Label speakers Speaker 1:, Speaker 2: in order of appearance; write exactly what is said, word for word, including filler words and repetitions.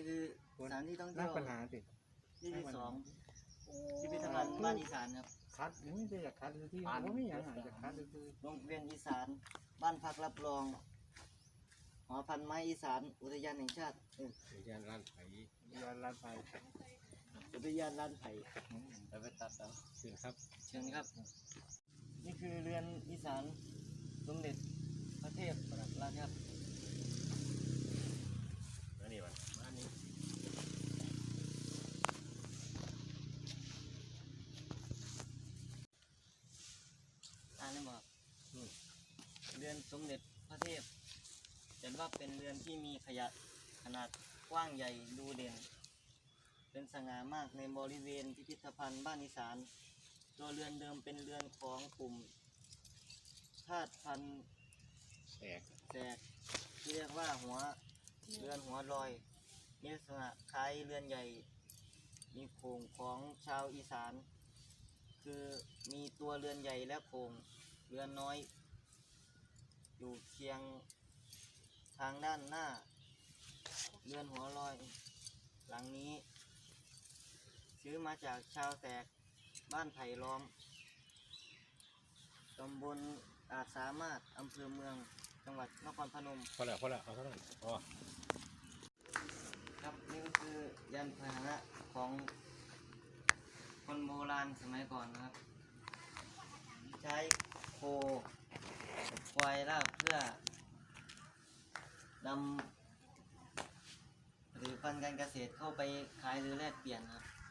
Speaker 1: คือสถานที่ท่องเที่
Speaker 2: นั
Speaker 1: ย
Speaker 2: ก
Speaker 1: ว
Speaker 2: ปัญหาสิ
Speaker 1: ที่ที่สองพิพิธภัณฑ์บ้านอีสานครับ
Speaker 2: คัดไม่ได้อยากคัดคือที่ว่าไม่อยากอยากคัดคือ
Speaker 1: โรงเรียนอีสานบ้านพักรับรองหอพันไม้อีสานอุทยานแห่งชาติเออ
Speaker 3: อุทยานร้านไผ่
Speaker 2: ยานลานไฟ
Speaker 1: อุทยานลานไผ่เราไปตัดเอา
Speaker 3: เชิญครับ
Speaker 1: เชิญครับ นี่คือเรือนอีสานสมเด็จพระเทพรัตนราชครับ
Speaker 3: มานี่วันมานี่
Speaker 1: อ่านได้บอกเรือนสมเด็จพระเทพเห็นว่าเป็นเรือนที่มีขยะขนาดกว้างใหญ่ดูเด่น เป็นสง่ามากในบริเวณพิพิธภัณฑ์บ้านอีสานตัวเรือนเดิมเป็นเรือนของกลุ่มธาตุพันธุ์
Speaker 3: แตก
Speaker 1: แสกที่เรียกว่าหัวเรือนหัวลอยมีลักษณะคล้ายเรือนใหญ่ มีโครงของชาวอีสาน คือมีตัวเรือนใหญ่และโครงเรือนน้อย อยู่เคียงทางด้านหน้า เรือนหัวลอย หลังนี้ ซื้อมาจากชาวแตกบ้านไผ่ล้อมตำบลอาจสามารถอำเภอเมืองจังหวัดนครพนม
Speaker 3: พอแล้วพอแล้วเอาเท่านั้นพอ
Speaker 1: ครับนี่ก็คือยานพาหนะของคนโบราณสมัยก่อนนะครับ ใช้โคควายลากเพื่อนำผลิตภัณฑ์การเกษตรเข้าไปขายหรือแลกเปลี่ยนครับ